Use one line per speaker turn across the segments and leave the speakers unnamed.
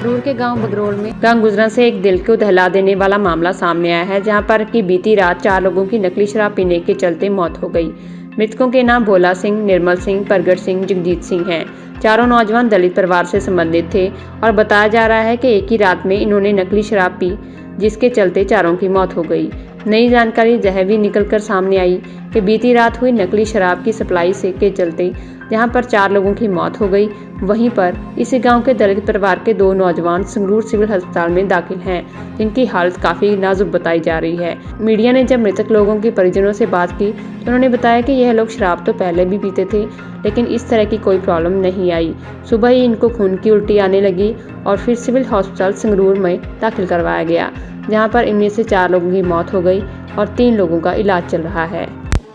संगरूर के गांव बगरोल में गांव गुजरा से एक दिल को दहला देने वाला मामला सामने आया है, जहां पर की बीती रात 4 लोगों की नकली शराब पीने के चलते मौत हो गई। मृतकों के नाम भोला सिंह, निर्मल सिंह, प्रगट सिंह, जगजीत सिंह हैं। चारों नौजवान दलित परिवार से संबंधित थे और बताया जा रहा है कि एक ही रात में इन्होंने नकली शराब पी, जिसके चलते चारों की मौत हो गई। नई जानकारी यह भी निकलकर सामने आई कि बीती रात हुई नकली शराब की सप्लाई से के चलते जहां पर 4 लोगों की मौत हो गई, वहीं पर इसी गांव के दलित परिवार के 2 नौजवान संगरूर सिविल अस्पताल में दाखिल हैं, जिनकी हालत काफ़ी नाजुक बताई जा रही है। मीडिया ने जब मृतक लोगों के परिजनों से बात की तो उन्होंने बताया कि यह लोग शराब तो पहले भी पीते थे, लेकिन इस तरह की कोई प्रॉब्लम नहीं आई। सुबह ही इनको खून की उल्टी आने लगी और फिर सिविल हॉस्पिटल संगरूर में दाखिल करवाया गया, जहाँ पर इनमें से 4 लोगों की मौत हो गई और 3 लोगों का इलाज चल रहा है।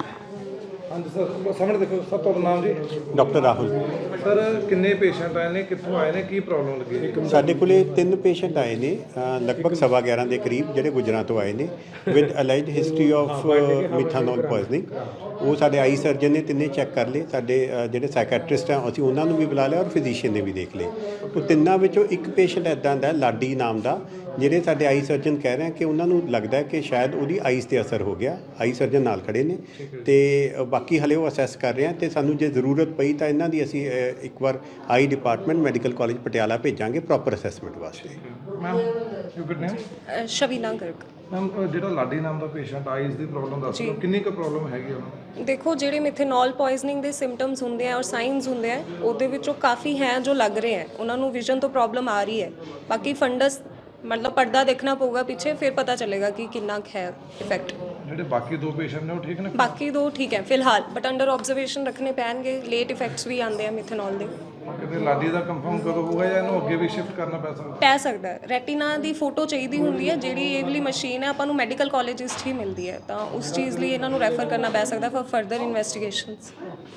हाँ जी सर, सामने देखो सर, ਤੁਹਾਡਾ ਨਾਮ ਜੀ?
ਡਾਕਟਰ ਰਾਹੁਲ।
ਸਰ ਕਿੰਨੇ ਪੇਸ਼ੈਂਟ ਆਏ ਨੇ, ਕਿੱਥੋਂ ਆਏ ਨੇ, ਕੀ ਪ੍ਰੋਬਲਮ ਲੱਗੀ?
ਸਾਡੇ ਕੋਲੇ 3 ਪੇਸ਼ੈਂਟ ਆਏ ਨੇ, ਲਗਭਗ 11:15 ਦੇ ਕਰੀਬ, ਜਿਹੜੇ ਗੁਜਰਾਂ ਤੋਂ ਆਏ ਨੇ with allied history of ਮਿਥਾਨੋਲ poisoning. ਉਹ ਸਾਡੇ ਆਈ ਸਰਜਨ ਨੇ ਤਿੰਨੇ ਚੈੱਕ ਕਰ ਲਏ। ਸਾਡੇ ਜਿਹੜੇ ਸਾਈਕੈਟਰਿਸਟ ਆ ਅਸੀਂ ਉਹਨਾਂ ਨੂੰ ਵੀ ਬੁਲਾ ਲਿਆ ਔਰ ਫਿਜ਼ੀਸ਼ੀਅਨ ਨੇ ਵੀ ਦੇਖ ਲਏ। ਉਹ ਤਿੰਨਾਂ ਵਿੱਚੋਂ ਇੱਕ ਪੇਸ਼ੈਂਟ ਇੱਦਾਂ ਦਾ ਲਾਡੀ ਨਾਮ ਦਾ, ਜਿਹੜੇ ਸਾਡੇ ਆਈ ਸਰਜਨ ਕਹਿ ਰਹੇ ਕਿ ਉਹਨਾਂ ਨੂੰ ਲੱਗਦਾ ਕਿ ਸ਼ਾਇਦ ਉਹਦੀ ਆਈਜ਼ 'ਤੇ ਅਸਰ ਹੋ ਗਿਆ। ਆਈ ਸਰਜਨ ਨਾਲ ਖੜੇ ਨੇ ਤੇ ਬਾਕੀ ਹਲੇ ਉਹ ਅਸੈਸ ਕਰ ਰਹੇ ਆ ਤੇ ਸਾਨੂੰ ਜੇ ਜ਼ਰੂਰਤ ਪਈ ਤਾਂ ਇਹਨਾਂ ਦੀ ਅਸੀਂ ਇੱਕ ਵਾਰ eye department medical college Patiala ਭੇਜਾਂਗੇ ਪ੍ਰੋਪਰ ਅਸੈਸਮੈਂਟ ਵਾਸਤੇ।
Ma'am you name?
ਸ਼ਵੀਨਾ Garg.
Ma'am ਜਿਹੜਾ ਲਾਡੀ ਨਾਮ ਦਾ ਪੇਸ਼ੈਂਟ ਆਈਜ਼ ਦੀ ਪ੍ਰੋਬਲਮ ਦੱਸ ਦਿਓ, ਕਿੰਨੀ ਕੁ ਪ੍ਰੋਬਲਮ ਹੈਗੀ ਉਹਨੂੰ?
ਦੇਖੋ, ਜਿਹੜੇ ਮਿਥੇਨੋਲ ਪੋਇਜ਼ਨਿੰਗ ਦੇ ਸਿੰਪਟਮਸ ਹੁੰਦੇ ਆ ਔਰ ਸਾਈਨਸ ਹੁੰਦੇ ਆ, ਉਹਦੇ ਵਿੱਚੋਂ ਕਾਫੀ ਹੈ ਜੋ ਲੱਗ ਰਹੇ ਹੈ। ਉਹਨਾਂ ਨੂੰ ਵਿਜ਼ਨ ਤੋਂ ਪ੍ਰੋਬਲਮ ਆ ਰਹੀ ਹੈ। ਬਾਕੀ ਫੰਡਸ मतलब पर्दा देखना पड़ेगा पीछे, फिर पता चलेगा कि कितना है इफेक्ट।
ਜਿਹੜੇ ਬਾਕੀ 2 ਪੇਸ਼ੈਂਟ ਨੇ ਉਹ ਠੀਕ ਨੇ?
बाकी 2 ठीक है फिलहाल, बट अंडर ऑब्जर्वेशन रखने पैणगे। लेट इफेक्ट्स भी आते हैं मिथेनॉल ਦੇ।
ਕਿਤੇ ਲਾਡੀ ਦਾ ਕੰਫਰਮ ਕਦੋਂ ਹੋਊਗਾ ਜਾਂ ਇਹਨੂੰ ਅੱਗੇ ਵੀ ਸ਼ਿਫਟ ਕਰਨਾ
ਪੈ ਸਕਦਾ ਹੈ? ਰੈਟੀਨਾ ਦੀ ਫੋਟੋ ਚਾਹੀਦੀ ਹੁੰਦੀ ਹੈ, ਜਿਹੜੀ ਇਹ ਵਾਲੀ ਮਸ਼ੀਨ ਹੈ ਆਪਾਂ ਨੂੰ ਮੈਡੀਕਲ ਕਾਲਜਿਸ 'ਚ ਹੀ ਮਿਲਦੀ ਹੈ, ਤਾਂ ਉਸ ਚੀਜ਼ ਲਈ ਇਹਨਾਂ ਨੂੰ ਰੈਫਰ ਕਰਨਾ ਪੈ ਸਕਦਾ ਫॉर ਫਰਦਰ ਇਨਵੈਸਟੀਗੇਸ਼ਨਸ।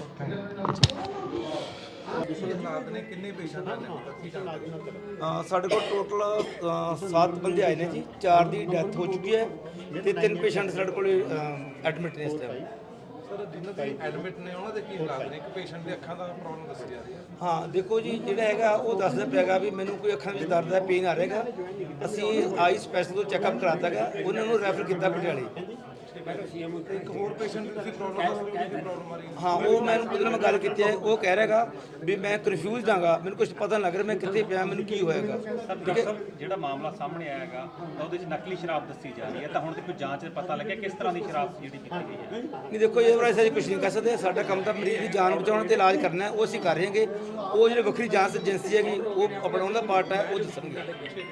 ਕਿੰਨੇ ਪੇਸ਼ੈਂਟ
हाँ साढ़े को टोटल 7 बंदे आए हैं जी। 4 की डैथ हो चुकी है तो 3 पेशेंट साढ़े को एडमिट ने इस टाइम।
ਸਰ ਜਿਨ੍ਹਾਂ ਦੇ ਐਡਮਿਟ ਨੇ ਉਹਨਾਂ ਦੇ ਕੀ ਹਾਲਾਤ ਨੇ? ਇੱਕ ਪੇਸ਼ੈਂਟ ਦੇ ਅੱਖਾਂ ਦਾ ਪ੍ਰੋਬਲਮ ਦੱਸੀ ਜਾ ਰਹੀ ਹੈ।
हाँ देखो जी, ਜਿਹੜਾ ਹੈਗਾ ਉਹ ਦੱਸਦਾ ਪਿਆਗਾ ਵੀ ਮੈਨੂੰ ਕੋਈ ਅੱਖਾਂ ਵਿੱਚ ਦਰਦ ਹੈ, ਪੇਨ ਆ ਰਿਹਾਗਾ। ਅਸੀਂ ਆਈ ਸਪੈਸ਼ਲ ਤੋਂ ਚੈੱਕਅਪ ਕਰਾਤਾ ਗਾ, ਉਹਨਾਂ ਨੂੰ ਰੈਫਰ ਕੀਤਾ ਪਟਿਆਲੇ।
ਇੱਕ ਹੋਰ ਪੇਸ਼ੈਂਟ ਦੀ ਤੁਸੀਂ ਪ੍ਰੋਬਲਮ ਦੱਸ ਦਿਓ ਕਿ ਪ੍ਰੋਬਲਮ ਆ ਰਹੀ ਹੈ?
ਹਾਂ ਉਹ ਮੈਨੂੰ ਉਹਦੇ ਨਾਲ ਮੈਂ ਗੱਲ ਕੀਤੀ ਹੈ, ਉਹ ਕਹਿ ਰਿਹਾਗਾ ਵੀ ਮੈਂ ਕਨਫਿਊਜ਼ਡ ਹਾਂਗਾ, ਮੈਨੂੰ ਕੁਝ ਪਤਾ ਨਹੀਂ ਲੱਗ ਰਿਹਾ ਮੈਂ ਕਿੱਥੇ ਪਿਆ, ਮੈਨੂੰ ਕੀ ਹੋਏਗਾ।
ਡਾਕਟਰ ਸਾਹਿਬ, ਜਿਹੜਾ ਮਾਮਲਾ ਸਾਹਮਣੇ ਆਇਆ ਹੈਗਾ ਤਾਂ ਉਹਦੇ 'ਚ ਨਕਲੀ ਸ਼ਰਾਬ ਦੱਸੀ ਜਾ ਰਹੀ ਹੈ, ਤਾਂ ਹੁਣ ਤੱਕ ਕੋਈ ਜਾਂਚ 'ਚ ਪਤਾ ਲੱਗਿਆ ਕਿਸ ਤਰ੍ਹਾਂ ਦੀ ਸ਼ਰਾਬ ਜਿਹੜੀ ਪੀਤੀ ਗਈ ਹੈ?
ਨਹੀਂ ਦੇਖੋ, ਇਹ ਬਾਰੇ ਅਸੀਂ ਕੁਝ ਨਹੀਂ ਕਹਿ ਸਕਦੇ। ਸਾਡਾ ਕੰਮ ਤਾਂ ਮਰੀਜ਼ ਦੀ ਜਾਨ ਬਚਾਉਣ ਤੇ ਇਲਾਜ ਕਰਨਾ ਹੈ, ਉਹ ਅਸੀਂ ਕਰ ਰਹੇ ਹਾਂਗੇ। ਉਹ ਜਿਹੜੇ ਵੱਖਰੀ ਜਾਂਚ ਏਜੰਸੀ ਹੈਗੀ ਉਹ ਆਪਣਾ ਉਹਦਾ ਪਾਰਟ ਹੈ, ਉਹ ਦੱਸਣਗੇ।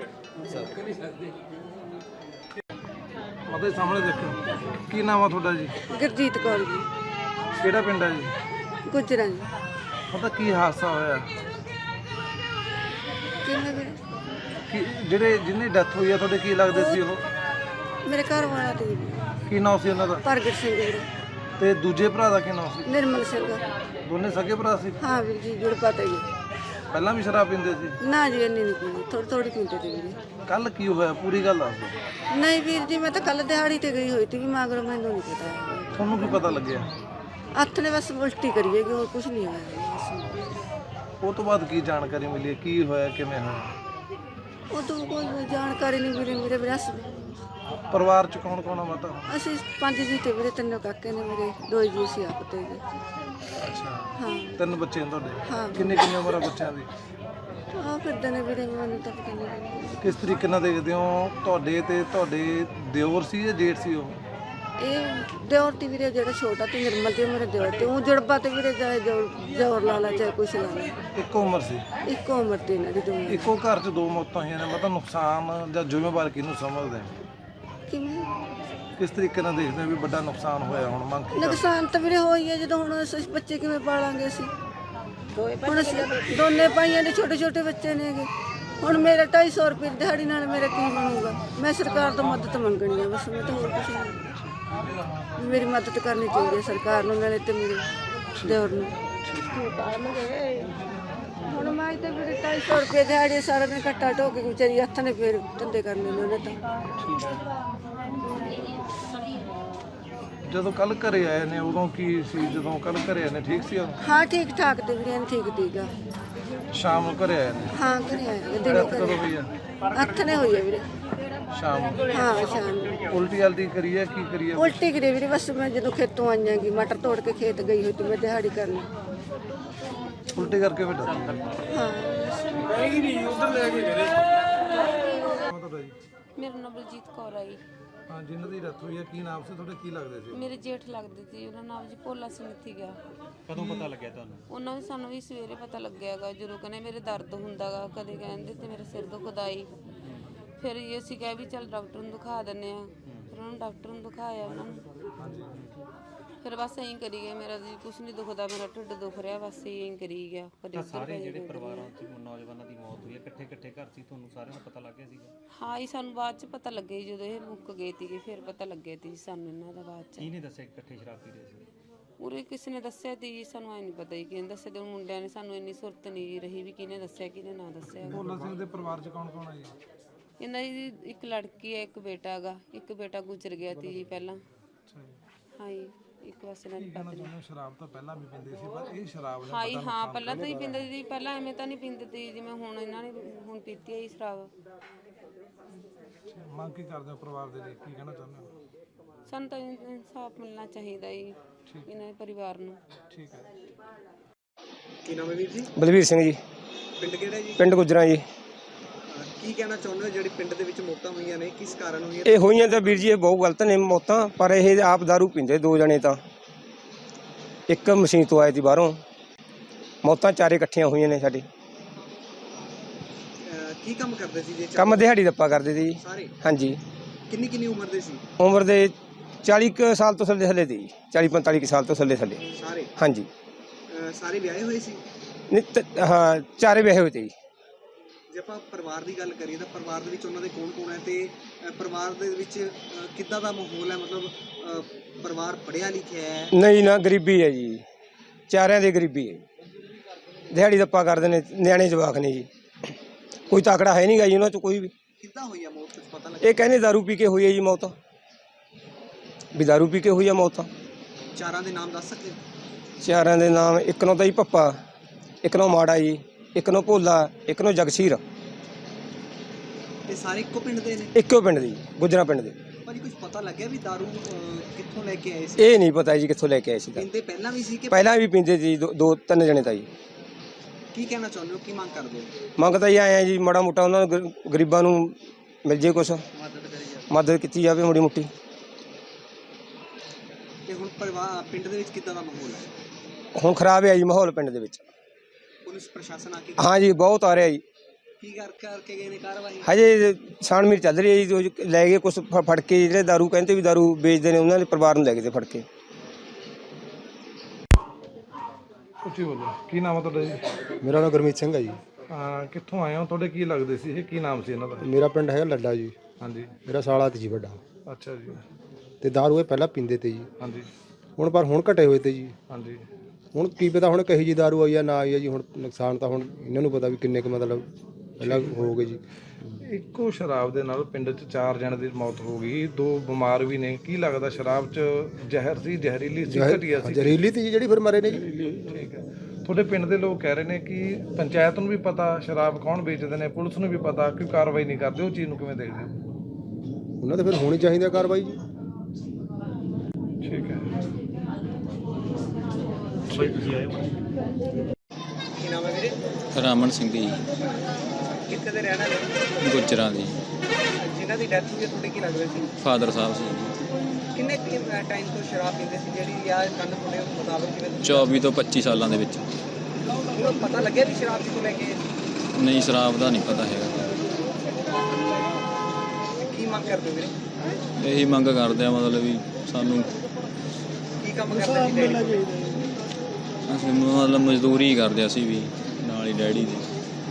ਉਹਦੇ ਸਾਹਮਣੇ ਦੇਖੋ, ਕੀ ਨਾਮ ਆ ਤੁਹਾਡਾ ਜੀ?
ਗੁਰਜੀਤ ਕੌਰ ਜੀ।
ਕਿਹੜਾ ਪਿੰਡ ਹੈ ਜੀ?
ਗੁਜਰਾਂ ਜੀ।
ਪਤਾ ਕੀ ਹਾਦਸਾ ਹੋਇਆ?
ਕਿੰਨੇ ਵੀਰੇ?
ਕਿ ਜਿਹੜੇ ਜਿਹਨੇ ਡੈਥ ਹੋਈ ਆ ਤੁਹਾਡੇ ਕੀ ਲੱਗਦੇ ਸੀ ਉਹ?
ਮੇਰੇ ਘਰ ਵਾਲਾ ਤੇ
ਕੀ ਨਾਮ ਸੀ ਉਹਨਾਂ ਦਾ?
ਪ੍ਰਗਟ ਸਿੰਘ ਵੀਰੇ।
ਤੇ ਦੂਜੇ ਭਰਾ ਦਾ ਕੀ ਨਾਮ ਸੀ?
ਨਿਰਮਲ ਸਿੰਘ।
ਦੋਨੇ ਸਕੇ ਭਰਾ ਸੀ?
ਹਾਂ ਵੀਰ ਜੀ, ਜੁੜ ਪਤਾ ਜੀ।
ਪਹਿਲਾਂ ਵੀ ਸ਼ਰਾਬ ਪੀਂਦੇ ਸੀ?
ਨਾ ਜੀ, ਇੰਨੀ ਨਹੀਂ ਪੀਂਦੀ, ਥੋੜੀ ਥੋੜੀ ਪੀਂਦੇ ਤੇ ਵੀਰੇ।
ਕੱਲ ਕੀ ਹੋਇਆ ਪੂਰੀ ਗੱਲ ਦੱਸ ਦਿਓ।
ਨਹੀਂ ਵੀਰ ਜੀ, ਮੈਂ ਤਾਂ ਕੱਲ ਦਿਹਾੜੀ ਤੇ ਗਈ ਹੋਈ ਸੀ ਵੀ ਮਗਰੋਂ ਮੈਨੂੰ ਨਹੀਂ ਪਤਾ।
ਤੁਹਾਨੂੰ ਕੀ ਪਤਾ ਲੱਗਿਆ?
ਹੱਥ ਨੇ ਬਸ ਉਲਟੀ ਕਰੀਏਗੀ, ਹੋਰ ਕੁਝ ਨਹੀਂ ਹੋਇਆ।
ਉਹ ਤੋਂ ਬਾਅਦ ਕੀ ਜਾਣਕਾਰੀ ਮਿਲੀ, ਕੀ ਹੋਇਆ, ਕਿਵੇਂ ਹੋਇਆ?
ਉਹ ਤੋਂ ਕੋਈ ਜਾਣਕਾਰੀ ਨਹੀਂ ਵੀਰੇ। ਮੇਰੇ ਵਿਰਾਸ
ਪਰਿਵਾਰ ਚ ਕੌਣ ਕੌਣ ਆ ਮਾਤਾ?
ਅਸੀਂ 5 ਜੀ ਤੇ ਵੀਰੇ, 3 ਕਾਕੇ ਨੇ ਮੇਰੇ, 2 ਜੀ ਅਸੀਂ ਆਪ ਤੇ ਜੀ।
ਅੱਛਾ,
ਹਾਂ
3 ਬੱਚੇ ਨੇ ਤੁਹਾਡੇ?
ਹਾਂ।
ਕਿੰਨੀ ਉਮਰ ਆ ਬੱਚਿਆਂ ਦੀ?
ਆਹ ਫਿਰਦੇ ਨੇ ਵੀਰੇ, ਮੈਨੂੰ ਤਾਂ ਪਤਾ ਨਹੀਂ।
ਕਿਸ ਤਰੀਕੇ ਨਾਲ ਦੇਖਦੇ ਹੋ? ਤੁਹਾਡੇ ਤੇ ਤੁਹਾਡੇ ਦਿਓਰ ਸੀ ਜਾਂ ਜੇਠ ਸੀ ਉਹ?
ਇਹ ਦਿਓਰ ਤੇ ਵੀਰੇ, ਜਿਹੜਾ ਛੋਟਾ ਤੇ ਨਿਰਮਲ ਤੇ ਮੇਰੇ ਦਿਓਰ ਤੇ, ਉਹ ਜੜਬਾ ਤੇ ਵੀਰੇ ਚਾਹੇ ਜ਼ੋਰ ਲਾ ਲਾ ਚਾਹੇ ਕੁਛ ਲਾ ਲਾ,
ਇੱਕੋ ਉਮਰ ਸੀ?
ਇੱਕੋ ਉਮਰ ਤੇ ਇਹਨਾਂ ਦੀ ਦੋਵੇਂ।
ਇੱਕੋ ਘਰ 'ਚ 2 ਮੌਤਾਂ ਹੋਈਆਂ ਨੇ, ਮਤਲਬ ਨੁਕਸਾਨ ਜਾਂ ਜ਼ਿੰਮੇਵਾਰ ਕਿਹਨੂੰ ਸਮਝਦੇ ਹੋ?
ਕਿਵੇਂ
ਕਿਸ ਤਰੀਕੇ ਨਾਲ ਦੇਖਦੇ ਹੋ ਵੀ ਵੱਡਾ ਨੁਕਸਾਨ ਹੋਇਆ? ਹੁਣ ਮੰਗ ਕੀ ਕਰਦੇ?
ਨੁਕਸਾਨ ਤਾਂ ਵੀਰੇ ਹੋਈ ਹੈ, ਜਦੋਂ ਹੁਣ ਅਸੀਂ ਬੱਚੇ ਕਿਵੇਂ ਪਾਲਾਂਗੇ ਅਸੀਂ? ਹੁਣ ਅਸੀਂ ਦੋਨੇ ਭਾਈਆਂ ਦੇ ਛੋਟੇ ਛੋਟੇ ਬੱਚੇ ਨੇਗੇ। ਹੁਣ ਮੇਰਾ 250 ਰੁਪਏ ਦਿਹਾੜੀ ਨਾਲ ਮੇਰਾ ਕੀ ਬਣੂਗਾ? ਮੈਂ ਸਰਕਾਰ ਤੋਂ ਮਦਦ ਮੰਗਣੀ ਹੈ ਬਸ, ਮੈਂ ਤਾਂ ਹੋਰ ਕੁਛ ਨਹੀਂ। ਮੇਰੀ ਮਦਦ ਕਰਨੀ ਚਾਹੀਦੀ ਹੈ ਸਰਕਾਰ ਨੂੰ, ਨਾਲੇ ਤੇ ਮੇਰੇ ਦਿਓਰ ਨੂੰ। ਹੁਣ ਮੈਂ ਤਾਂ ਵੀਰੇ 250 ਰੁਪਏ ਦਿਹਾੜੀ ਸਾਰਾ ਦਿਨ ਘੱਟਾ ਢੋ ਕੇ ਵਿਚਾਰੀ ਹੱਥ ਨੇ ਫੇਰ ਧੰਦੇ ਕਰਨੇ ਨੇ ਉਹਨੇ ਤਾਂ।
ਜਦੋਂ ਕੱਲ ਘਰੇ ਆਏ ਨੇ ਉਦੋਂ ਕੀ ਸੀ? ਜਦੋਂ ਕੱਲ ਘਰੇ ਆਏ ਨੇ ਠੀਕ ਸੀ ਉਹ?
ਹਾਂ ਠੀਕ ਠਾਕ ਤੇ ਵੀਰੇ, ਠੀਕ ਸੀਗਾ।
ਸ਼ਾਮ ਨੂੰ ਘਰੇ ਆਏ ਨੇ
ਹਾਂ ਘਰੇ ਆਏ ਨੇ, ਦਿਨੇ
ਡੈਥ ਕਦੋਂ
ਘਰੇ
ਹੋਈ ਆ?
ਅੱਠ ਨੇ ਹੋਈ ਹੈ ਵੀਰੇ।
ਸ਼ਾਮ ਨੂੰ
ਹਾਂ ਸ਼ਾਮ ਨੂੰ
ਉਲਟੀ ਜਲਦੀ ਕਰੀ ਹੈ, ਕੀ ਕਰੀਏ?
ਉਲਟੀ ਕਰੀ ਵੀਰੇ। ਬਸ ਮੈਂ ਜਦੋਂ ਖੇਤੋਂ ਆਈਆਂ ਗੀ, ਮਟਰ ਤੋੜ ਕੇ ਖੇਤ ਗਈ ਹੋਈ ਤੇ ਮੈਂ ਦਿਹਾੜੀ ਕਰਨ।
ਉਲਟੀ ਕਰਕੇ ਫਿਰ ਡੈਥ।
ਹਾਂ
ਮੇਰਾ ਨਾਮ ਬਲਜੀਤ ਕੌਰ ਆ ਜੀ।
ਹਾਂ, ਜਿਨ੍ਹਾਂ ਦੀ ਡੈਥ ਹੋਈ ਹੈ ਕੀ ਨਾਮ ਸੀ ਤੁਹਾਡੇ, ਕੀ ਲੱਗਦੇ ਸੀ?
ਮੇਰੇ ਜੇਠ ਲੱਗਦੇ ਸੀ, ਉਹਨਾਂ ਨਾਮ ਜੀ ਭੋਲਾ ਸਿੰਘ ਸੀਗਾ।
ਕਦੋਂ ਪਤਾ ਲੱਗਿਆ ਤੁਹਾਨੂੰ?
ਉਹਨਾਂ ਵੀ ਸਾਨੂੰ ਵੀ ਸਵੇਰੇ ਪਤਾ ਲੱਗਿਆਗਾ, ਜਦੋਂ ਕਹਿੰਦੇ ਮੇਰੇ ਦਰਦ ਹੁੰਦਾਗਾ, ਕਦੇ ਕਹਿੰਦੇ ਤੇ ਮੇਰੇ ਸਿਰ ਦੁਖਦਾ ਈ। ਫਿਰ ਇਹ ਅਸੀਂ ਕਿਹਾ ਵੀ ਚੱਲ ਡਾਕਟਰ ਨੂੰ ਦਿਖਾ ਦਿੰਦੇ ਆ। ਫਿਰ ਉਹਨਾਂ ਨੂੰ ਡਾਕਟਰ ਨੂੰ ਦਿਖਾਇਆ ਉਹਨਾਂ ਨੂੰ। ਫਿਰ ਬਸ ਐਂ ਕਰੀ ਗਏ, ਮੇਰਾ ਜੀ ਕੁਛ ਨਹੀਂ ਦੁਖਦਾ, ਮੇਰਾ ਢਿੱਡ ਦੁਖ ਰਿਹਾ, ਬਸ ਐਂ ਕਰੀ ਗਿਆ। ਕਦੇ ਉੱਧਰ
ਸਾਰੇ
ਪੈ
ਜਿਹੜੇ
ਜਾਂਦੇ।
ਪਰਿਵਾਰਾਂ 'ਚ ਨੌਜਵਾਨਾਂ ਦੀ ਮੌਤ ਹੋਈ ਹੈ, ਇਕੱਠੇ ਇਕੱਠੇ ਘਰ ਸੀ, ਤੁਹਾਨੂੰ ਸਾਰਿਆਂ ਨੂੰ ਪਤਾ ਲੱਗ ਗਿਆ ਸੀਗਾ?
ਹਾਂ ਜੀ, ਸਾਨੂੰ ਬਾਅਦ ਚ ਪਤਾ ਲੱਗਿਆ ਜੀ, ਜਦੋਂ ਇਹ ਮੁੱਕ ਗਏ ਸੀਗੇ ਫਿਰ ਪਤਾ ਲੱਗਿਆ ਸੀ ਸਾਨੂੰ ਇਹਨਾਂ ਦਾ ਬਾਅਦ ਚ।
ਕੀ ਨਹੀਂ ਦੱਸਿਆ ਕਿ ਇਕੱਠੇ ਸ਼ਰਾਬ ਪੀ ਰਹੇ ਸੀ?
ਉਰੇ ਕਿਸੇ ਨੇ ਦੱਸਿਆ ਤੀ ਜੀ, ਸਾਨੂੰ ਐ ਨਹੀਂ ਪਤਾ ਜੀ ਕਿਹਨੇ ਦੱਸਿਆ ਤੇ ਉਹ ਮੁੰਡਿਆਂ ਨੇ ਸਾਨੂੰ ਇੰਨੀ ਸੁਰਤ ਨਹੀਂ ਰਹੀ ਵੀ ਕਿਹਨੇ ਦੱਸਿਆ ਕਿਹਨੇ ਨਾ ਦੱਸਿਆ।
ਭੋਲਾ ਸਿੰਘ ਦੇ ਪਰਿਵਾਰ 'ਚ ਕੌਣ ਕੌਣ ਹੈ ਜੀ?
ਇਹਨਾਂ ਦੀ ਇੱਕ ਲੜਕੀ ਹੈ, ਇੱਕ ਬੇਟਾ ਹੈਗਾ। ਇੱਕ ਬੇਟਾ ਗੁਜ਼ਰ ਗਿਆ ਸੀ ਜੀ ਪਹਿਲਾਂ।
ਅੱਛਾ ਜੀ।
ਹਾਂ ਜੀ, ਇੱਕ ਬਸ ਇਹਨਾਂ ਦੀ
ਕਹਿਣਾ
ਪਤਨੀ।
ਚਾਹੁੰਦੇ ਹੋ, ਸ਼ਰਾਬ ਤਾਂ ਪਹਿਲਾਂ ਵੀ ਪੀਂਦੇ ਸੀ, ਪਰ ਇਹ ਸ਼ਰਾਬ
ਹਾਂ ਜੀ, ਹਾਂ ਪਹਿਲਾਂ ਤਾਂ ਹੀ ਪੀਂਦੇ ਸੀ, ਪਹਿਲਾਂ ਐਵੇਂ ਤਾਂ ਨਹੀਂ ਪੀਂਦੇ ਸੀ ਜਿਵੇਂ ਹੁਣ ਇਹਨਾਂ ਨੇ ਹੁਣ ਪੀਤੀ ਹੈ ਜੀ ਸ਼ਰਾਬ।
ਮੰਗ ਕੀ ਕਰਦੇ ਹੋ ਪਰਿਵਾਰ ਦੇ ਲਈ, ਕੀ ਕਹਿਣਾ ਚਾਹੁੰਦੇ ਹੋ?
ਸਾਨੂੰ ਤਾਂ ਇਨਸਾਫ ਮਿਲਣਾ ਚਾਹੀਦਾ ਜੀ ਇਹਨਾਂ ਦੇ ਪਰਿਵਾਰ ਨੂੰ।
ਠੀਕ ਹੈ।
ਕੀ ਨਾਮ ਹੈ ਵੀਰ ਜੀ?
ਬਲਵੀਰ ਸਿੰਘ ਜੀ।
ਪਿੰਡ ਕਿਹੜਾ ਜੀ?
ਪਿੰਡ ਗੁਜਰਾਂ ਜੀ।
ਕੀ ਕਹਿਣਾ ਚਾਹੁੰਦੇ ਹੋ ਜਿਹੜੀ ਪਿੰਡ ਦੇ ਵਿੱਚ ਮੌਤਾਂ ਹੋਈਆਂ ਨੇ, ਕਿਸ ਕਾਰਨ ਹੋਈਆਂ?
ਇਹ ਹੋਈਆਂ ਤਾਂ ਵੀਰ ਜੀ ਇਹ ਬਹੁਤ ਗਲਤ ਨੇ ਮੌਤਾਂ, ਪਰ ਇਹ ਆਪ दारू ਪੀਂਦੇ ਦੋ ਜਣੇ ਤਾਂ। ਇੱਕ ਮਸ਼ੀਨ ਤੋਂ ਆਏ ਸੀ ਬਾਹਰੋਂ, ਮੌਤਾਂ ਚਾਰੇ ਇਕੱਠੀਆਂ ਹੋਈਆਂ ਨੇ ਸਾਡੇ।
ਕੀ ਕੰਮ ਕਰਦੇ ਸੀ ਜੀ?
ਕੰਮ ਦਿਹਾੜੀ ਦੱਪਾ ਕਰਦੇ ਸੀ ਜੀ।
ਸਾਰੇ?
ਹਾਂਜੀ।
ਕਿੰਨੀ ਕਿੰਨੀ ਉਮਰ ਦੇ ਸੀ?
ਉਮਰ ਦੇ 40 ਕੁ ਸਾਲ ਤੋਂ ਥੱਲੇ ਸੀ ਜੀ, 40-45 ਕੁ ਸਾਲ ਤੋਂ ਥੱਲੇ।
ਸਾਰੇ?
ਹਾਂਜੀ।
ਸਾਰੇ ਵਿਆਹੇ ਹੋਏ ਸੀ?
ਨਹੀਂ ਹਾਂ, ਚਾਰੇ ਵਿਆਹੇ ਹੋਏ ਤੇ ਜੀ।
ਜੇ ਆਪਾਂ ਪਰਿਵਾਰ ਦੀ ਗੱਲ ਕਰੀਏ ਤਾਂ ਪਰਿਵਾਰ ਦੇ ਵਿੱਚ ਉਹਨਾਂ ਦੇ ਕੌਣ ਕੌਣ ਹੈ ਤੇ ਪਰਿਵਾਰ ਦੇ ਵਿੱਚ ਕਿੱਦਾਂ ਦਾ ਮਾਹੌਲ ਹੈ? ਮਤਲਬ ਪਰਿਵਾਰ ਪੜ੍ਹਿਆ ਲਿਖਿਆ ਹੈ?
ਨਹੀਂ ਨਾ, ਗਰੀਬੀ ਹੈ ਜੀ, ਚਾਰਿਆਂ ਦੀ ਗਰੀਬੀ ਹੈ। ਦਿਹਾੜੀ ਦੱਪਾ ਕਰਦੇ ਨੇ, ਨਿਆਣੇ ਜਵਾਕ ਨੇ ਜੀ, ਕੋਈ ਤਾਕੜਾ ਹੈ ਨਹੀਂ ਗਾ ਜੀ ਉਹਨਾਂ 'ਚ ਕੋਈ ਵੀ।
ਕਿੱਦਾਂ ਹੋਈ ਆ ਮੌਤ, ਕੁਝ ਪਤਾ ਲੱਗਿਆ?
ਇਹ ਕਹਿੰਦੇ दारू ਪੀ ਕੇ ਹੋਈ ਹੈ ਜੀ ਮੌਤ, ਵੀ दारू ਪੀ ਕੇ ਹੋਈ ਹੈ ਮੌਤ।
ਚਾਰਾਂ ਦੇ ਨਾਮ ਦੱਸ ਸਕਦੇ?
ਚਾਰਾਂ ਦੇ ਨਾਮ, ਇੱਕ ਨੂੰ ਤਾਂ ਜੀ ਪੱਪਾ, ਇੱਕ ਨੂੰ ਮਾੜਾ ਜੀ, ਇੱਕ ਨੂੰ ਭੋਲਾ, ਇੱਕ ਨੂੰ ਜਗਸੀਰ।
ਇਹ ਸਾਰੇ ਇੱਕੋ ਪਿੰਡ ਦੇ ਨੇ?
ਇੱਕੋ ਪਿੰਡ ਦੇ, ਗੁਜਰਾਂ ਪਿੰਡ ਦੇ।
ਭਾਜੀ ਕੁਝ ਪਤਾ ਲੱਗਿਆ ਵੀ ਦਾਰੂ ਕਿੱਥੋਂ ਲੈ ਕੇ ਆਏ ਸੀ?
ਇਹ ਨਹੀਂ ਪਤਾ ਜੀ ਕਿੱਥੋਂ ਲੈ ਕੇ ਆਏ ਸੀ।
ਪੀਂਦੇ ਪਹਿਲਾਂ ਵੀ ਸੀ ਕਿ
ਪਹਿਲਾਂ ਵੀ ਪੀਂਦੇ ਸੀ, ਦੋ ਤਿੰਨ ਜਣੇ ਤਾਂ ਜੀ।
ਕੀ ਕਹਿਣਾ ਚਾਹੁੰਦੇ ਹੋ, ਕੀ ਮੰਗ ਕਰਦੇ ਹੋ?
ਮੰਗ ਤਾਂ ਇਹ ਆਏ ਆ ਜੀ, ਮਾੜਾ ਮੋਟਾ ਉਹਨਾਂ ਨੂੰ ਗਰੀਬਾਂ ਨੂੰ ਮਿਲ ਜੇ ਕੁਛ, ਮਦਦ ਕੀਤੀ ਜਾਵੇ ਮਾੜੀ ਮੋਟੀ।
ਤੇ ਹੁਣ ਪਰਿਵਾਰ ਪਿੰਡ ਦੇ ਵਿੱਚ ਕਿੱਦਾਂ ਦਾ ਮਾਹੌਲ ਹੈ?
ਹੁਣ ਖਰਾਬ ਹੈ ਜੀ ਮਾਹੌਲ ਪਿੰਡ ਦੇ ਵਿੱਚ।
ਪੁਲਿਸ ਪ੍ਰਸ਼ਾਸਨ ਆ ਕੇ
ਹਾਂ ਜੀ, ਬਹੁਤ ਆ ਰਿਹਾ ਜੀ।
ਕੀ ਕਰਕੇ ਗਏ ਨੇ ਕਾਰਵਾਈ?
ਹਜੇ ਛਾਣਬੀਣ ਚੱਲ ਰਹੀ ਹੈ ਜੀ। ਲੈ ਗਏ ਕੁਛ ਫੜ ਕੇ, ਜਿਹੜੇ दारू ਕਹਿੰਦੇ ਵੀ दारू ਵੇਚਦੇ ਨੇ ਉਹਨਾਂ ਦੇ ਪਰਿਵਾਰ ਨੂੰ ਲੈ ਗਏ ਤੇ ਫੜ ਕੇ।
ਉੱਚੀ ਬੋਲੋ। ਕੀ ਨਾਮ ਹੈ ਤੁਹਾਡਾ ਜੀ?
ਮੇਰਾ ਨਾਮ ਗੁਰਮੀਤ ਸਿੰਘ ਹੈ ਜੀ।
ਕਿੱਥੋਂ ਆਏ ਹੋ? ਤੁਹਾਡੇ ਕੀ ਲੱਗਦੇ ਸੀ ਇਹ, ਕੀ ਨਾਮ ਸੀ ਇਹਨਾਂ ਦਾ?
ਮੇਰਾ ਪਿੰਡ ਹੈਗਾ ਲੱਡਾ ਜੀ।
ਹਾਂਜੀ।
ਮੇਰਾ ਸਾਲਾ ਤੇ ਜੀ ਵੱਡਾ।
ਅੱਛਾ ਜੀ।
ਤੇ ਦਾਰੂ ਇਹ ਪਹਿਲਾਂ ਪੀਂਦੇ ਤੇ ਜੀ।
ਹਾਂਜੀ।
ਪਰ ਹੁਣ ਘਟੇ ਹੋਏ ਤੇ ਜੀ।
ਹਾਂਜੀ।
ਹੁਣ ਕੀ ਪਤਾ ਹੁਣ ਕਹੀ ਜੀ ਦਾਰੂ ਆਈ ਆ ਨਾ ਆਈ ਆ ਜੀ। ਹੁਣ ਨੁਕਸਾਨ ਤਾਂ ਹੁਣ ਇਹਨਾਂ ਨੂੰ ਪਤਾ ਵੀ ਕਿੰਨੇ ਕੁ ਮਤਲਬ ਪਹਿਲਾਂ ਹੋ ਗਏ ਜੀ।
ਇੱਕੋ ਸ਼ਰਾਬ ਦੇ ਨਾਲ ਪਿੰਡ 'ਚ 4 ਜਣਿਆਂ ਦੀ ਮੌਤ ਹੋ ਗਈ, 2 ਬਿਮਾਰ ਵੀ ਨੇ। ਕੀ ਲੱਗਦਾ ਸ਼ਰਾਬ 'ਚ ਜ਼ਹਿਰ ਸੀ, ਜ਼ਹਿਰੀਲੀ ਸੀ, ਘਟੀਆ ਸੀ?
ਜ਼ਹਿਰੀਲੀ ਤੇ ਜੀ ਜਿਹੜੀ ਫਿਰ ਮਰੇ ਨੇ ਜੀ।
ਠੀਕ ਹੈ। ਤੁਹਾਡੇ ਪਿੰਡ ਦੇ ਲੋਕ ਕਹਿ ਰਹੇ ਨੇ ਕਿ ਪੰਚਾਇਤ ਨੂੰ ਵੀ ਪਤਾ ਸ਼ਰਾਬ ਕੌਣ ਵੇਚਦੇ ਨੇ, ਪੁਲਿਸ ਨੂੰ ਵੀ ਪਤਾ, ਕਿਉਂ ਕਾਰਵਾਈ ਨਹੀਂ ਕਰਦੇ? ਉਹ ਚੀਜ਼ ਨੂੰ ਕਿਵੇਂ ਦੇਖਦੇ ਹੋ?
ਉਹਨਾਂ ਤੇ ਫਿਰ ਹੋਣੀ ਚਾਹੀਦੀ ਆ ਕਾਰਵਾਈ ਜੀ।
ਠੀਕ ਹੈ।
ਕੀ ਨਾਮ ਹੈ ਵੀਰੇ?
ਰਾਮਨ ਸਿੰਘ ਜੀ,
ਕਿੱਥੇ ਦੇ ਰਹਿਣ ਵਾਲੇ?
ਗੁਜਰਾਂ ਦੀ।
ਜਿਨ੍ਹਾਂ ਦੀ ਡੈਥ ਹੋਈ ਹੈ ਤੁਹਾਡੇ ਕੀ ਲੱਗਦੇ ਸੀ?
ਫਾਦਰ ਸਾਹਿਬ ਸੀ।
ਕਿੰਨੇ ਟਾਈਮ ਤੋਂ ਸ਼ਰਾਬ ਪੀਂਦੇ ਸੀ ਜਿਹੜੀ ਆ ਕੰਨ ਮੁੰਡੇ ਮੁਤਾਬਕ? ਕਿਵੇਂ
24 ਤੋਂ 25 ਸਾਲਾਂ ਦੇ ਵਿੱਚ।
ਤੁਹਾਨੂੰ ਪਤਾ ਲੱਗਿਆ ਵੀ ਸ਼ਰਾਬ ਕਿੱਥੋਂ ਲੈ ਕੇ ਆਏ ਸੀ?
ਨਹੀਂ, ਸ਼ਰਾਬ ਦਾ ਨਹੀਂ ਪਤਾ ਹੈਗਾ।
ਕੀ ਮੰਗ ਕਰਦੇ ਹੋ ਵੀਰੇ?
ਇਹੀ ਮੰਗ ਕਰਦੇ ਆ, ਮਤਲਬ ਵੀ ਸਾਨੂੰ
ਕੀ ਕੰਮ ਕਰਦੇ ਸੀ ਡੈਡੀ?
ਅਸੀਂ ਮਤਲਬ ਮਜ਼ਦੂਰੀ ਕਰਦੇ ਅਸੀਂ ਵੀ ਨਾਲ ਹੀ ਡੈਡੀ ਦੀ।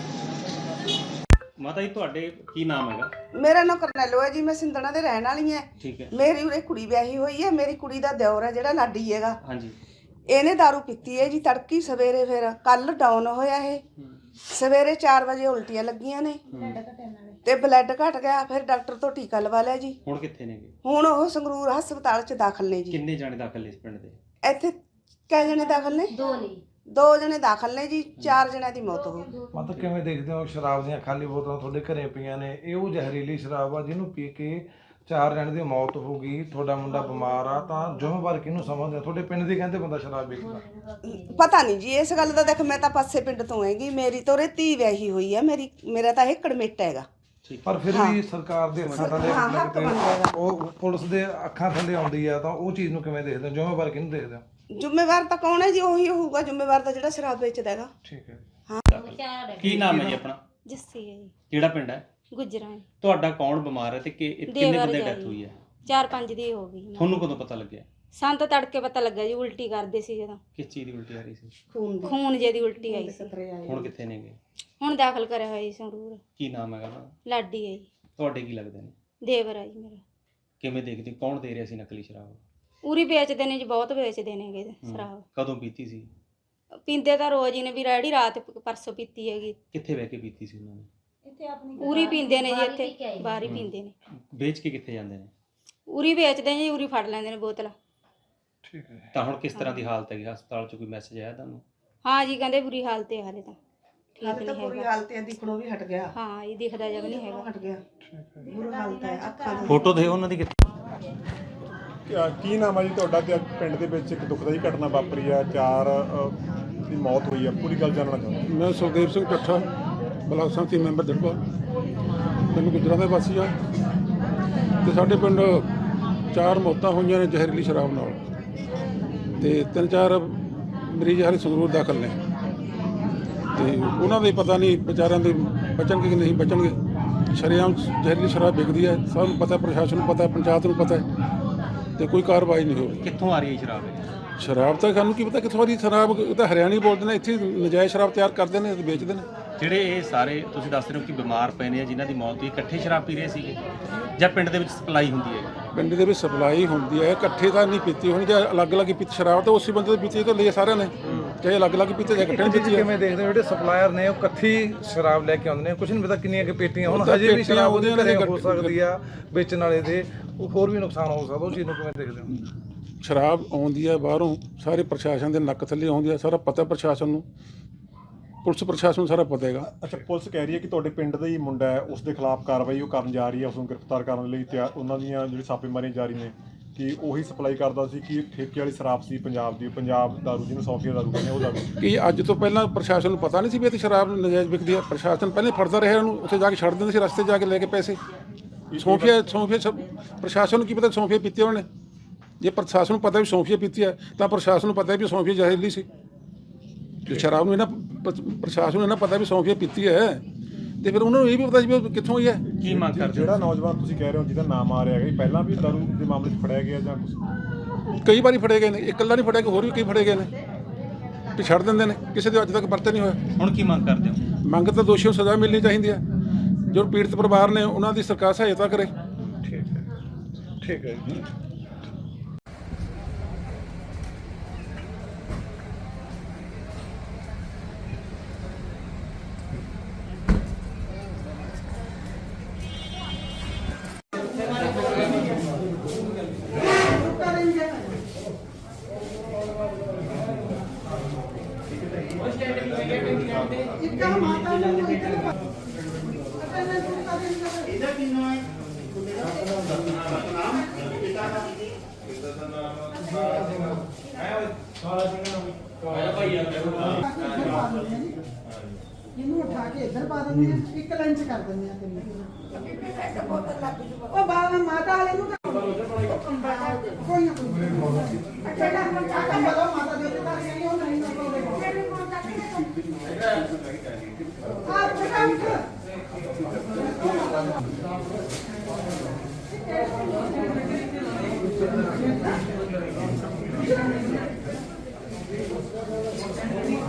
ਮਾਤਾ ਜੀ ਤੁਹਾਡੇ ਕੀ ਨਾਮ ਹੈਗਾ?
ਮੇਰਾ ਨਾਮ ਕਰਨੈਲੋ ਹੈ ਜੀ। ਮੈਂ ਸਿੰਧਣਾ ਦੇ ਰਹਿਣ ਵਾਲੀ ਹਾਂ।
ਠੀਕ ਹੈ।
ਮੇਰੀ ਉਰੇ ਕੁੜੀ ਵਿਆਹੀ ਹੋਈ ਹੈ। ਮੇਰੀ ਕੁੜੀ ਦਾ ਦਿਓਰ ਹੈ ਜਿਹੜਾ ਲਾਡੀ ਹੈਗਾ।
ਹਾਂਜੀ।
ਇਹਨੇ दारू ਪੀਤੀ ਹੈ ਜੀ ਤੜਕੀ ਸਵੇਰੇ। ਫਿਰ ਕੱਲ ਡਾਊਨ ਹੋਇਆ ਇਹ। ਸਵੇਰੇ 4 ਵਜੇ ਉਲਟੀਆਂ ਲੱਗੀਆਂ ਨੇ ਤੇ ਬਲੱਡ ਘਟ ਗਿਆ। ਫਿਰ ਡਾਕਟਰ ਤੋਂ ਟੀਕਾ ਲਵਾ ਲਿਆ ਜੀ।
ਹੁਣ ਕਿੱਥੇ ਨੇਗੇ?
ਹੁਣ ਉਹ ਸੰਗਰੂਰ ਹਸਪਤਾਲ 'ਚ ਦਾਖਲ ਨੇ ਜੀ।
ਕਿੰਨੇ ਜਾਣੇ ਦਾਖਲ ਨੇ ਇਸ ਪਿੰਡ ਦੇ?
ਇੱਥੇ ਕਿੰਨੇ ਜਣੇ ਦਾਖਲ ਨੇ? 2 ਨੇ। 2 ਜਣੇ ਦਾਖਲ ਨੇ ਜੀ, 4 ਜਣਿਆਂ ਦੀ ਮੌਤ ਹੋ ਗਈ।
ਮਤਲਬ ਕਿਵੇਂ ਦੇਖਦੇ ਹੋ ਸ਼ਰਾਬ ਦੀਆਂ ਖਾਲੀ ਬੋਤਲਾਂ ਤੁਹਾਡੇ ਘਰੇ ਪਈਆਂ ਨੇ, ਇਹ ਉਹ ਜ਼ਹਿਰੀਲੀ ਸ਼ਰਾਬ ਆ ਜਿਹਨੂੰ ਪੀ ਕੇ 4 ਜਣੇ ਦੀ ਮੌਤ ਹੋ ਗਈ, ਤੁਹਾਡਾ ਮੁੰਡਾ ਬਿਮਾਰ ਆ, ਤਾਂ ਜ਼ਿੰਮੇਵਾਰ ਕਿਹਨੂੰ ਸਮਝਦੇ ਹੋ? ਤੁਹਾਡੇ ਪਿੰਡ ਦੀ ਕਹਿੰਦੇ ਬੰਦਾ ਸ਼ਰਾਬ ਵੇਚਦਾ।
ਪਤਾ ਨਹੀਂ ਜੀ ਇਸ ਗੱਲ ਦਾ, ਦੇਖ ਮੈਂ ਤਾਂ ਪਾਸੇ ਪਿੰਡ ਤੋਂ ਹੈਗੀ, ਮੇਰੀ ਤਾਂ ਉਰੇ ਧੀ ਵਿਆਹੀ ਹੋਈ ਹੈ, ਮੇਰਾ ਤਾਂ ਇਹ ਕੜਮੇਟ ਹੈਗਾ।
ਪਰ ਫਿਰ ਵੀ ਸਰਕਾਰ ਦੇ ਅੱਖਾਂ ਥੱਲੇ ਉਹ ਪੁਲਿਸ ਦੇ ਅੱਖਾਂ ਥੱਲੇ ਆਉਂਦੀ ਆ, ਤਾਂ ਉਹ ਚੀਜ਼ ਨੂੰ ਕਿਵੇਂ ਦੇਖਦੇ ਹੋ? ਜ਼ਿੰਮੇਵਾਰ ਕਿਹਨੂੰ ਦੇਖਦੇ ਹੋ?
ਜ਼ਿੰਮੇਵਾਰ ਤਾਂ ਕੌਣ ਹੈ ਜੀ? ਉਹੀ ਹੋਊਗਾ ਜ਼ਿੰਮੇਵਾਰ ਤਾਂ ਜਿਹੜਾ ਸ਼ਰਾਬ ਵੇਚਦਾ ਹੈਗਾ।
ਠੀਕ ਹੈ।
ਕੀ ਨਾਮ ਹੈ ਜੀ ਆਪਣਾ?
ਜੱਸੀ ਹੈ ਜੀ,
ਕਿਹੜਾ ਪਿੰਡ ਹੈ?
ਗੁਜਰਾਂ।
ਤੁਹਾਡਾ ਕੌਣ ਬਿਮਾਰ ਹੈ ਤੇ ਕਿੰਨੇ ਬੰਦੇ ਡੈਥ ਹੋਈ ਹੈ?
4-5 ਦੀ ਹੋ ਗਈ।
ਤੁਹਾਨੂੰ ਕਦੋਂ ਪਤਾ ਲੱਗਿਆ?
ਸਾਨੂੰ ਤਾਂ ਤੜਕੇ ਪਤਾ ਲੱਗਾ ਜੀ, ਉਲਟੀ ਕਰਦੇ ਸੀ ਜਦੋਂ।
ਕਿਸ ਚੀਜ਼ ਦੀ ਉਲਟੀ ਆ ਰਹੀ ਸੀ?
ਖੂਨ ਜੇ ਦੀ ਉਲਟੀ ਆਈ ਸੀ।
ਹੁਣ ਕਿੱਥੇ ਨੇਗੇ?
ਹੁਣ ਦਾਖਲ ਕਰਿਆ ਹੋਇਆ ਜੀ ਸੰਗਰੂਰ।
ਕੀ ਨਾਮ ਹੈਗਾ ਉਹਨਾਂ ਦਾ?
ਲਾਡੀ ਹੈ ਜੀ।
ਤੁਹਾਡੇ ਕੀ ਲੱਗਦੇ ਨੇ?
ਦੇਵਰ ਹੈ ਜੀ ਮੇਰਾ।
ਕਿਵੇਂ ਦੇਖਦੇ, ਕੌਣ ਦੇ ਰਿਹਾ ਸੀ ਨਕਲੀ ਸ਼ਰਾਬ?
ਉਰੀ ਵੇਚਦੇ ਨੇ ਜੀ, ਬਹੁਤ ਵੇਚਦੇ ਨੇਗੇ ਸ਼ਰਾਬ।
ਕਦੋਂ ਪੀਤੀ ਸੀ?
ਪੀਂਦੇ ਤਾਂ ਰੋਜ਼ ਹੀ ਨੇ ਵੀ, ਰੈਡੀ ਰਾਤ ਪਰਸੋਂ ਪੀਤੀ ਹੈਗੀ।
ਕਿੱਥੇ ਬਹਿ ਕੇ ਪੀਤੀ ਸੀ ਉਹਨਾਂ ਨੇ?
ਉਰੀ ਪੀਂਦੇ ਨੇ ਜੀ, ਇੱਥੇ ਬਾਹਰ ਹੀ ਪੀਂਦੇ ਨੇ।
ਵੇਚ ਕੇ ਕਿੱਥੇ ਜਾਂਦੇ ਨੇ?
ਉਰੀ ਵੇਚਦੇ ਨੇ ਜੀ, ਉਰੀ ਫੜ ਲੈਂਦੇ ਨੇ ਬੋਤਲ।
ਠੀਕ ਹੈ।
ਤਾਂ ਹੁਣ ਕਿਸ ਤਰ੍ਹਾਂ ਦੀ ਹਾਲਤ ਹੈਗੀ? ਹਸਪਤਾਲ 'ਚ ਕੋਈ ਮੈਸੇਜ ਆਇਆ ਤੁਹਾਨੂੰ?
ਹਾਂ ਜੀ, ਕਹਿੰਦੇ ਬੁਰੀ ਹਾਲਤ ਹੈ ਹਾਲੇ ਤਾਂ, ਠੀਕ ਨਹੀਂ ਹੈਗਾ।
ਬੁਰੀ ਹਾਲਤ ਹੈ, ਦਿਖਣੋਂ ਵੀ ਹਟ ਗਿਆ।
ਹਾਂ, ਇਹ ਦਿਖਦਾ ਜਗ ਨਹੀਂ ਹੈਗਾ।
ਹਟ ਗਿਆ, ਬੁਰੀ ਹਾਲਤ ਹੈ ਅੱਖਾਂ ਦੀ।
ਫੋਟੋ ਦੇ ਉਹਨਾਂ ਦੀ ਕਿੱਥੇ?
ਕੀ ਨਾਮ ਹੈ ਜੀ ਤੁਹਾਡਾ? ਤੇ ਪਿੰਡ ਦੇ ਵਿੱਚ ਇੱਕ ਦੁਖਦਾਈ ਘਟਨਾ ਵਾਪਰੀ ਆ, 4 ਦੀ ਮੌਤ ਹੋਈ ਆ, ਪੂਰੀ ਗੱਲ ਜਾਣਨਾ ਚਾਹੁੰਦਾ।
ਮੈਂ ਸੁਖਦੇਵ ਸਿੰਘ ਠੱਠਾ, ਬਲਾਕ ਸੰਮਤੀ ਮੈਂਬਰ ਦੜਬਾ, ਪਿੰਡ ਗੁਜਰਾਂ ਦਾ ਵਾਸੀ ਆ। ਤੇ ਸਾਡੇ ਪਿੰਡ 4 ਮੌਤਾਂ ਹੋਈਆਂ ਨੇ ਜ਼ਹਿਰੀਲੀ ਸ਼ਰਾਬ ਨਾਲ, ਤੇ 3-4 ਮਰੀਜ਼ ਹਾਲੇ ਸੰਗਰੂਰ ਦਾਖਲ ਨੇ। ਤੇ ਉਹਨਾਂ ਦੇ ਪਤਾ ਨਹੀਂ ਵਿਚਾਰਿਆਂ ਦੇ ਬਚਣਗੇ ਕਿ ਨਹੀਂ ਬਚਣਗੇ। ਸ਼ਰੇਆਮ ਜ਼ਹਿਰੀਲੀ ਸ਼ਰਾਬ ਵਿਕਦੀ ਹੈ, ਸਭ ਨੂੰ ਪਤਾ, ਪ੍ਰਸ਼ਾਸਨ ਨੂੰ ਪਤਾ, ਪੰਚਾਇਤ ਨੂੰ ਪਤਾ ਹੈ, ਤੇ ਕੋਈ ਕਾਰਵਾਈ ਨਹੀਂ ਹੋ ਰਹੀ।
ਕਿੱਥੋਂ ਆ ਰਹੀ ਹੈ ਸ਼ਰਾਬ?
ਸ਼ਰਾਬ ਤਾਂ ਸਾਨੂੰ ਕੀ ਪਤਾ ਕਿੱਥੋਂ ਆ ਰਹੀ ਸ਼ਰਾਬ, ਇਹ ਤਾਂ ਹਰਿਆਣੀ ਬੋਲਦੇ ਨੇ, ਇੱਥੇ ਨਜਾਇਜ਼ ਸ਼ਰਾਬ ਤਿਆਰ ਕਰਦੇ ਨੇ ਤੇ ਵੇਚਦੇ ਨੇ।
ਜਿਹੜੇ ਇਹ ਸਾਰੇ ਤੁਸੀਂ ਦੱਸ ਰਹੇ ਹੋ ਕਿ ਬਿਮਾਰ ਪਏ ਨੇ, ਜਿਨ੍ਹਾਂ ਦੀ ਮੌਤ ਹੋਈ, ਇਕੱਠੇ ਸ਼ਰਾਬ ਪੀ ਰਹੇ ਸੀਗੇ ਜਾਂ ਪਿੰਡ ਦੇ ਵਿੱਚ ਸਪਲਾਈ ਹੁੰਦੀ ਹੈ?
ਪਿੰਡ ਦੇ ਵਿੱਚ ਸਪਲਾਈ ਹੁੰਦੀ ਹੈ, ਇਕੱਠੇ ਤਾਂ ਨਹੀਂ ਪੀਤੀ ਹੋਣੀ। ਜੇ ਅਲੱਗ-ਅਲੱਗ ਹੀ ਪੀਤੀ ਸ਼ਰਾਬ ਤਾਂ ਉਸੇ ਬੰਦੇ ਦੀ ਪੀਤੀ ਤਾਂ ਲਈ ਸਾਰਿਆਂ ਨੇ, ਚਾਹੇ ਅਲੱਗ-ਅਲੱਗ ਪੀਤੇ ਜਾਂ ਇਕੱਠੇ ਪੀਤੀ।
ਕਿਵੇਂ ਦੇਖਦੇ ਹੋ ਜਿਹੜੇ ਸਪਲਾਇਰ ਨੇ ਉਹ ਇਕੱਠੀ ਸ਼ਰਾਬ ਲੈ ਕੇ ਆਉਂਦੇ ਨੇ, ਕੁਝ ਨਹੀਂ ਪਤਾ ਕਿੰਨੀਆਂ ਕਿ ਪੇਟੀਆਂ, ਹੁਣ ਹਜੇ ਵੀ ਸ਼ਰਾਬ ਉਹਦੇ ਘਰੇ ਹੋ ਸਕਦੀ ਆ, ਵੇਚਣ ਵਾਲੇ ਦੇ ਉਹ ਹੋਰ ਵੀ ਨੁਕਸਾਨ ਹੋ ਸਕਦਾ, ਉਹ ਚੀਜ਼ ਨੂੰ ਕਿਵੇਂ ਦੇਖਦੇ ਹੋ?
ਸ਼ਰਾਬ ਆਉਂਦੀ ਹੈ ਬਾਹਰੋਂ, ਸਾਰੇ ਪ੍ਰਸ਼ਾਸਨ ਦੇ ਨੱਕ ਥੱਲੇ ਆਉਂਦੀ ਹੈ, ਸਾਰਾ ਪਤਾ ਪ੍ਰਸ਼ਾਸਨ ਨੂੰ, ਪੁਲਿਸ ਪ੍ਰਸ਼ਾਸਨ ਨੂੰ ਸਾਰਾ ਪਤਾ ਹੈਗਾ।
ਅੱਛਾ, ਪੁਲਿਸ ਕਹਿ ਰਹੀ ਹੈ ਕਿ ਤੁਹਾਡੇ ਪਿੰਡ ਦਾ ਹੀ ਮੁੰਡਾ ਹੈ, ਉਸ ਦੇ ਖਿਲਾਫ ਕਾਰਵਾਈ ਉਹ ਕਰਨ ਜਾ ਰਹੀ ਹੈ, ਉਸ ਨੂੰ ਗ੍ਰਿਫਤਾਰ ਕਰਨ ਲਈ ਤਿਆਰ, ਉਹਨਾਂ ਦੀਆਂ ਜਿਹੜੀ ਛਾਪੇਮਾਰੀਆਂ ਜਾਰੀ ਨੇ ਕਿ ਉਹੀ ਸਪਲਾਈ ਕਰਦਾ ਸੀ, ਕਿ ਠੇਕੇ ਵਾਲੀ ਸ਼ਰਾਬ ਸੀ ਪੰਜਾਬ ਦੀ, ਪੰਜਾਬ ਦਾਰੂ ਜਿਹਨੂੰ ਸੌਫੀਆ ਦਾਰੂ ਕਹਿੰਦੇ, ਉਹ ਦਾਰੂ।
ਕਿ ਅੱਜ ਤੋਂ ਪਹਿਲਾਂ ਪ੍ਰਸ਼ਾਸਨ ਨੂੰ ਪਤਾ ਨਹੀਂ ਸੀ ਵੀ ਇੱਥੇ ਸ਼ਰਾਬ ਨਜਾਇਜ਼ ਵਿਕਦੀ ਹੈ? ਪ੍ਰਸ਼ਾਸਨ ਪਹਿਲੇ ਫੜਦਾ ਰਿਹਾ ਉਹਨੂੰ, ਉੱਥੇ ਜਾ ਕੇ ਛੱਡ ਦਿੰਦੇ ਸੀ, ਰਸਤੇ ਜਾ ਕੇ ਲੈ ਕੇ ਪੈਸੇ। ਸੌਫੀਆ ਪ੍ਰਸ਼ਾਸਨ ਨੂੰ ਕੀ ਪਤਾ ਸੌਫੀਆ ਪੀਤੀ ਉਹਨੇ? ਜੇ ਪ੍ਰਸ਼ਾਸਨ ਨੂੰ ਪਤਾ ਵੀ ਸੌਫੀਆ ਪੀਤੀ ਹੈ ਤਾਂ ਪ੍ਰਸ਼ਾਸਨ ਨੂੰ ਪਤਾ ਵੀ ਸੌਫੀਆ ਜ਼ਹਿਰੀਲੀ ਸੀ। ਜੇ ਸ਼ਰਾਬ ਨੂੰ ਇਹਨਾਂ ਪ੍ਰਸ਼ਾਸਨ ਨੂੰ ਇਹਨਾਂ ਪਤਾ ਵੀ ਸੌਫੀਆ ਪੀਤੀ ਹੈ, ਤੇ ਫਿਰ ਉਹਨਾਂ ਨੂੰ ਇਹ ਵੀ ਪਤਾ ਸੀ ਵੀ ਕਿੱਥੋਂ ਹੋਈ ਹੈ।
ਕੀ ਮੰਗ ਕਰਦੇ?
ਜਿਹੜਾ ਨੌਜਵਾਨ ਤੁਸੀਂ ਕਹਿ ਰਹੇ ਹੋ ਜਿਹਦਾ ਨਾਮ ਆ ਰਿਹਾ ਹੈ, ਪਹਿਲਾਂ ਵੀ ਦਾਰੂ ਦੇ ਮਾਮਲੇ 'ਚ ਫੜਿਆ ਗਿਆ ਜਾਂ ਕੁਝ?
ਕਈ ਵਾਰੀ ਫੜੇ ਗਏ ਨੇ, ਇਕੱਲਾ ਨਹੀਂ ਫੜਿਆ ਕਿ ਹੋਰ ਵੀ ਕਈ ਫੜੇ ਗਏ ਨੇ, ਤੇ ਛੱਡ ਦਿੰਦੇ ਨੇ, ਕਿਸੇ ਦੇ ਅੱਜ ਤੱਕ ਪਰਚਾ ਨਹੀਂ ਹੋਇਆ।
ਹੁਣ ਕੀ ਮੰਗ ਕਰਦੇ ਹੋ?
ਮੰਗ ਤਾਂ ਦੋਸ਼ੀਆਂ ਨੂੰ ਸਜ਼ਾ ਮਿਲਣੀ ਚਾਹੀਦੀ ਹੈ, ਜੋ ਪੀੜਤ ਪਰਿਵਾਰ ਨੇ ਉਹਨਾਂ ਦੀ ਸਰਕਾਰ ਸਹਾਇਤਾ ਕਰੇ।
ਠੀਕ ਹੈ, ਠੀਕ ਹੈ ਜੀ।
ਇਹਨੂੰ ਉਠਾ ਕੇ ਇੱਧਰ ਪਾ ਦਿੰਦੇ ਆ, ਇੱਕ ਲਾਈਨ 'ਚ ਕਰ ਦਿੰਦੇ ਆ ਤਿੰਨ। ਉਹ ਬਾਬਾ ਮਾਤਾ ਵਾਲੇ ਨੂੰ ਕੋਈ ਨਾ ਕੋਈ ਅੱਛਾ ਮਾਤਾ ਦੇ ਦਿੱਤਾ ਨਹੀਂ ਉਹ ਨਹੀਂ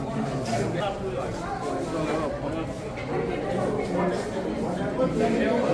Thank you.